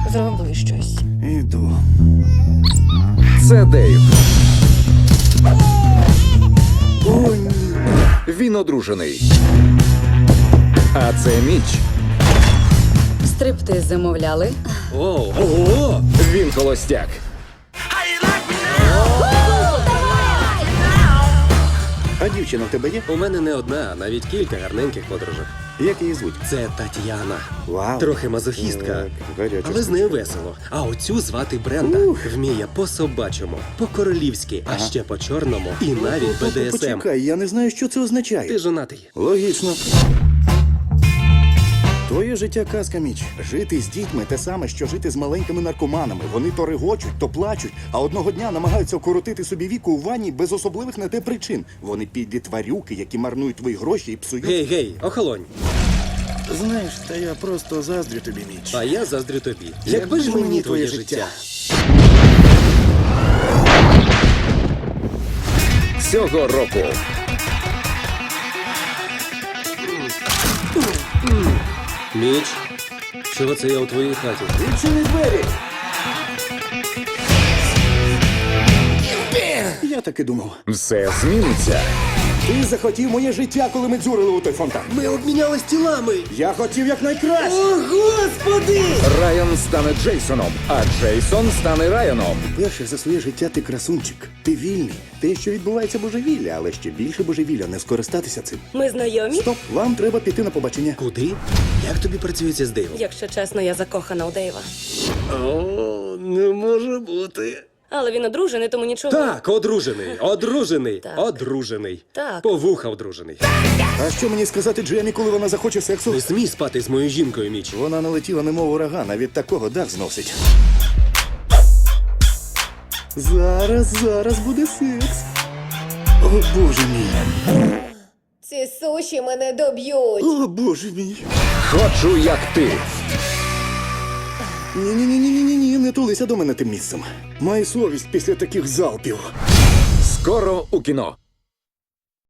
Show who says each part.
Speaker 1: Зроби щось.
Speaker 2: Іду.
Speaker 3: Це Дейв. Ой, ні. Він одружений. А це Міч.
Speaker 1: Стриптиз замовляли.
Speaker 4: Ого!
Speaker 3: Він холостяк.
Speaker 2: А дівчина в тебе є?
Speaker 4: У мене не одна, а навіть кілька гарненьких подружок.
Speaker 2: Як її звуть?
Speaker 4: Це Тетяна.
Speaker 2: Вау.
Speaker 4: Трохи мазохістка.
Speaker 2: Так, гаряча
Speaker 4: Але з нею весело. А оцю звати Бренда. Вміє по-собачому, по-королівськи, а ще по-чорному і навіть БДСМ.
Speaker 2: Почекай, я не знаю, що це означає.
Speaker 4: Ти жонатий.
Speaker 2: Логічно. Твоє життя казка, Міч. Жити з дітьми те саме, що жити з маленькими наркоманами. Вони то регочуть, то плачуть, а одного дня намагаються вкоротити собі віку у ванні без особливих на те причин. Вони підлі тварюки, які марнують твої гроші і псують.
Speaker 4: Гей, охолонь.
Speaker 2: Знаєш, та я просто заздрю тобі, Міч.
Speaker 4: А я заздрю тобі. Якби ж мені твоє життя.
Speaker 3: Цього року
Speaker 4: Міч, чого це я у твоїй хаті?
Speaker 2: Відчини двері! Я так і думав.
Speaker 3: все зміниться.
Speaker 2: Ти захотів моє життя, коли ми дзюрили у той фонтан.
Speaker 4: Ми обмінялись тілами.
Speaker 2: Я хотів якнайкраще.
Speaker 4: О, Господи!
Speaker 3: Райан стане Джейсоном, а Джейсон стане Райаном.
Speaker 2: Перше за своє життя ти красунчик. Ти вільний. Те, що відбувається божевілля, але ще більше божевілля не скористатися цим.
Speaker 1: Ми знайомі?
Speaker 2: Стоп, вам треба піти на побачення.
Speaker 4: Куди? Як тобі працюється з Дейвом?
Speaker 1: Якщо чесно, я закохана у Дейва.
Speaker 4: О, не може бути.
Speaker 1: Але він одружений, тому нічого.
Speaker 4: Так, одружений,
Speaker 1: Так.
Speaker 4: одружений.
Speaker 1: Так.
Speaker 4: По вуха одружений.
Speaker 2: А що мені сказати Джемі, коли вона захоче сексу?
Speaker 4: Не смій спати з моєю жінкою, Міч.
Speaker 2: Вона налетіла немов ураган, а від такого дах зносить. Зараз буде секс. О, Боже мій.
Speaker 5: Ці суші мене доб'ють.
Speaker 2: О, Боже мій.
Speaker 3: Хочу, як ти.
Speaker 2: Ні, не тулися до мене тим місцем. Май совість після таких залпів.
Speaker 3: Скоро у кіно.